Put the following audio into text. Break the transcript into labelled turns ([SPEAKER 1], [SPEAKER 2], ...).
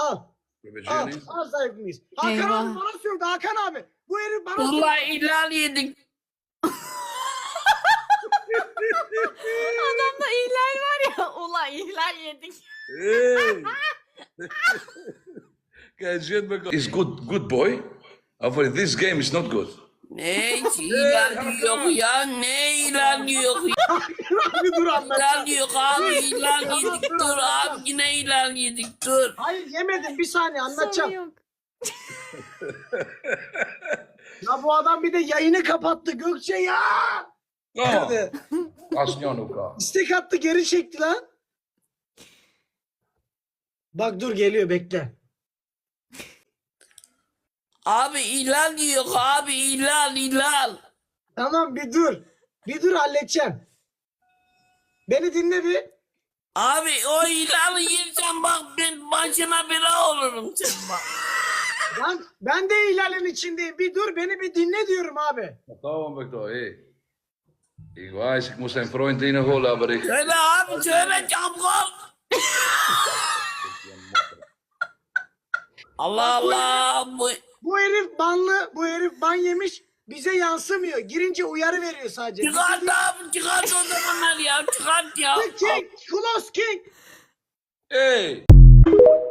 [SPEAKER 1] Al. Al.
[SPEAKER 2] Bebeceğiniz.
[SPEAKER 1] Al zayıf mıyız? Hakan
[SPEAKER 3] Eyvah.
[SPEAKER 1] abi bana söyledi. Hakan abi. Bu herif bana söyledi.
[SPEAKER 4] Ulan ilan yedik.
[SPEAKER 3] Adamda ihlal var ya. Ulan ihlal yedik.
[SPEAKER 2] Hey. Kijk, Jetback is good boy. But this game is not good.
[SPEAKER 4] Ne ilan yok ya, ne ilan yok ya.
[SPEAKER 1] Bir dur anlatacağım.
[SPEAKER 4] İlan yok abi, ilan yedik, dur abi, yine ilan yedik, dur.
[SPEAKER 1] Hayır yemedim. Bir saniye
[SPEAKER 3] Sonu
[SPEAKER 1] anlatacağım.
[SPEAKER 3] yok.
[SPEAKER 1] Ya bu adam bir de yayını kapattı Gökçe ya.
[SPEAKER 2] Oh,
[SPEAKER 1] Hadi.
[SPEAKER 2] Asnjan elkaar.
[SPEAKER 1] İstek attı geri çekti lan. Bak dur geliyor bekle.
[SPEAKER 4] Abi ilan yok abi, ilan.
[SPEAKER 1] Tamam bir dur. Bir dur halledeceğim. Beni dinle bir.
[SPEAKER 4] Abi o ilanı yersen bak ben başına bela olurum sen bak.
[SPEAKER 1] Ben de ihlalin içindeyim. Bir dur beni bir dinle diyorum abi.
[SPEAKER 2] Tamam Victor, hey. Ik weiß, ik moest zijn vriend inholen, aber ik...
[SPEAKER 4] Söyle abi, söyle çabuk ol. Allah Allah.
[SPEAKER 1] Bu herif banlı. Bu herif ban yemiş. Bize yansımıyor. Girince uyarı veriyor sadece.
[SPEAKER 4] Çıkart abi, çıkart o zamanlar ya, çıkart ya.
[SPEAKER 1] King. Close King.
[SPEAKER 2] Hey!